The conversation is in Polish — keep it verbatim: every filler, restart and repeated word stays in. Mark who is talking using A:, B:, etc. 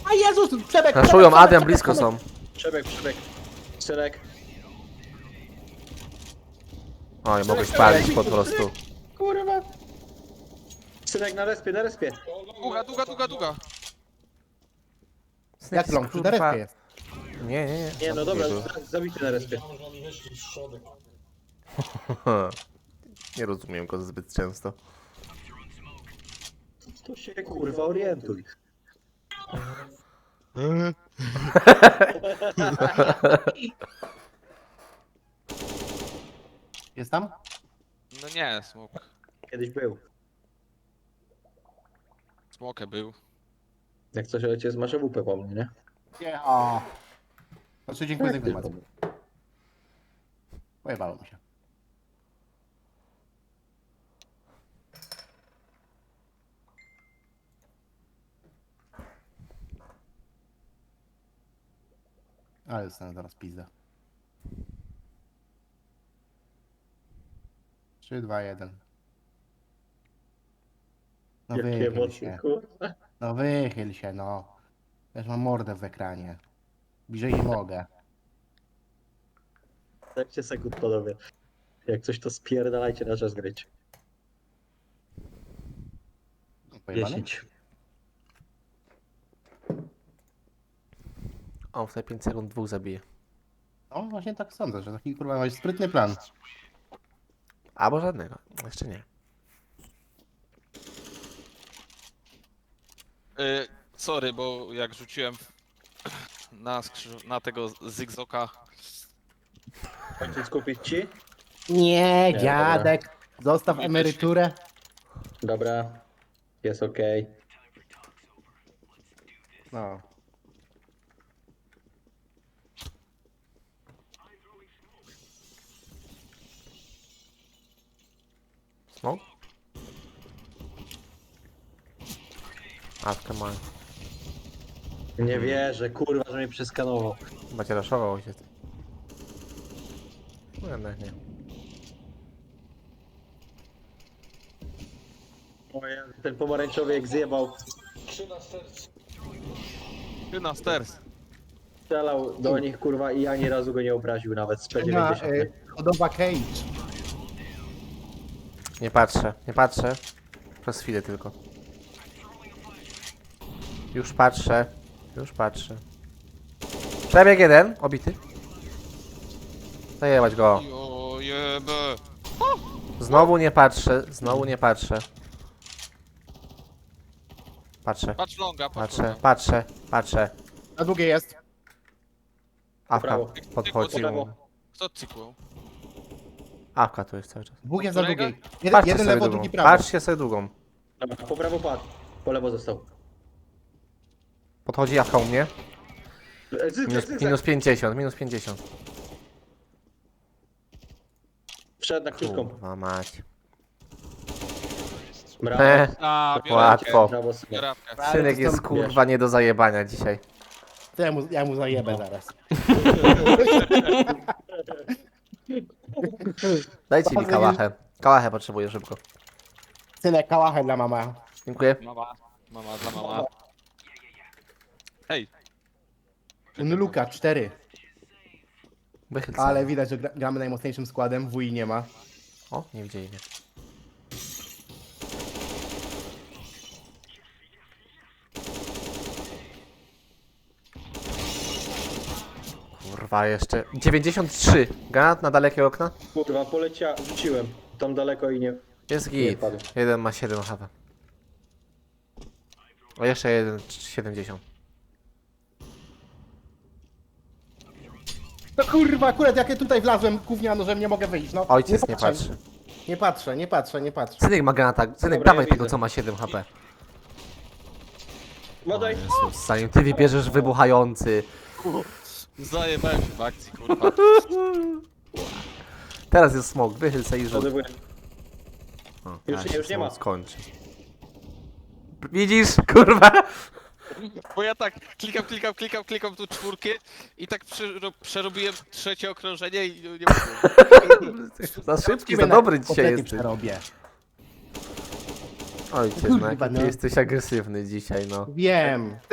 A: A Jezus, przebieg!
B: Raszują,
A: przebieg,
B: Adrian
A: przebieg,
B: blisko
A: przebieg.
B: są.
C: Przebieg, przebieg. Synek.
B: Oj, mogę spalić po prostu.
C: Kurwa. Synek na respie, na respie.
D: Długa, długa, długa, długa.
A: Jak long, przy
B: Kurwa.
A: derewkę jest.
B: Nie, nie, nie.
C: Nie no dobra,
B: był.
C: zabity na respie.
B: Nie rozumiem go zbyt często.
C: To się kurwa orientuj.
A: Jest tam?
D: No nie, smok.
C: Kiedyś był.
D: Smoke był.
C: Jak coś ojciec masz owupę po mnie, nie?
A: Nie, o. Znaczy dziękuję za informację. Pojebało mi się. Ale dostanę zaraz pizdę. trzy, dwa, jeden. No
C: Jakie
A: wychyl
C: emocje,
A: się.
C: kurwa.
A: No wychyl się, no. Też mam mordę w ekranie. Bliżej nie mogę.
C: Dajcie sekund, panowie. Jak coś to spierdalajcie na czas grać.
A: Pojebane?
C: dziesięć.
B: On w te pięć sekund dwóch zabije.
A: No właśnie tak sądzę, że taki kurwa masz sprytny plan.
B: Albo żadnego. Jeszcze nie.
D: Y, sorry, bo jak rzuciłem na, skrzyż... na tego Zigzoka.
C: Ojciec kupić ci?
A: Nie,
C: Nie,
A: dziadek. Zostaw emeryturę.
C: Dobra. Jest okej.
A: No.
B: Smoke? Awkę ma.
C: Nie wierzę, kurwa, że mnie przeskanował.
B: Chyba cię raszował ojciec. No jednak nie.
C: Oje, ten pomarańczowy jak zjebał,
D: Ty na stairs.
C: strzelał do nich, kurwa, i ani razu go nie obraził nawet z P
A: Ma,
C: dziewięćdziesiąt.
A: y, Hodowla Cage.
B: Nie patrzę, nie patrzę. Przez chwilę tylko. Już patrzę. Już patrzę. Przebieg jeden, obity. Zajebać go.
D: Jo, jebe.
B: Znowu nie patrzę, znowu nie patrzę. Patrzę,
D: Patrz longa, patrz
B: patrzę,
D: longa.
B: patrzę, patrzę.
A: Na długie jest.
B: Awka
C: Prawo.
B: podchodził.
C: Prawo.
D: Kto cykłał?
B: Awka tu jest cały czas.
A: Dwóch jest na
D: Którego?
A: długiej. Jeden,
B: Patrzcie
A: jeden
B: sobie
A: lewo,
B: długą.
A: drugi prawo.
B: Patrzcie sobie długą.
C: Dobra, po prawo padł, po lewo został.
B: Podchodzi Awka u mnie.
C: E, zysk,
B: Minus,
C: zysk,
B: minus pięćdziesiąt, minus pięćdziesiąt.
C: Wszedł na krótką.
B: Kurwa mać.
C: Brawo.
B: He,
D: A, biorę
B: łatwo.
C: Brawo, synek.
D: Biorapkę.
A: Ale
B: Synek
A: to
B: jest
A: są-
B: kurwa nie do zajebania dzisiaj.
A: To ja mu, ja mu zajebę zaraz.
B: Dajcie mi
A: Bardzo
B: kałachę. Kałachę potrzebuję szybko.
A: Synek, kałachę dla mama.
B: Dziękuję.
D: Mama, mama za mama. Hej.
A: Luka, cztery.
B: Wychyl
A: Ale
B: sobie.
A: widać, że gra, gramy najmocniejszym składem. W U I nie ma.
B: O, nie widzieli mnie. Kurwa jeszcze. dziewięćdziesiąt trzy. Granat na dalekie okna.
C: Kurwa, polecia, rzuciłem. Tam daleko i nie...
B: Jest
C: Nie
B: git.
C: padł.
B: Jeden ma siedem H P. O jeszcze jeden siedemdziesiąt.
A: No kurwa, akurat jak ja tutaj wlazłem gówniano, że nie mogę wyjść. No,
B: Ojciec nie
A: patrzę.
B: patrzy.
A: Nie patrzę, nie patrzę, nie patrzę.
B: Synek ma granata. Synek,
C: Dobra,
B: dawaj
C: ja
B: tego
C: widzę.
B: co ma siedem H P. O
C: Badaj.
B: Jezus, zanim ty wybierzesz wybuchający.
D: Zajebałem się w akcji, kurwa.
B: Teraz jest smok, wychyl se i rzut.
C: Ładowuję.
B: O,
C: Już
B: teraz
C: nie,
B: się
C: już nie ma.
B: smok skończy. Widzisz, kurwa?
D: Bo ja tak klikam, klikam, klikam, klikam tu czwórkę i tak przero- przerobiłem trzecie okrążenie i nie mogłem.
B: Za szybki,
A: Ciebie
B: za
A: na
B: dobry dzisiaj
A: kotlety
B: jesteś.
A: przerobię.
B: Ojciec, no
A: Kurwa,
B: jaki ty
A: no.
B: jesteś agresywny dzisiaj, no.
A: Wiem.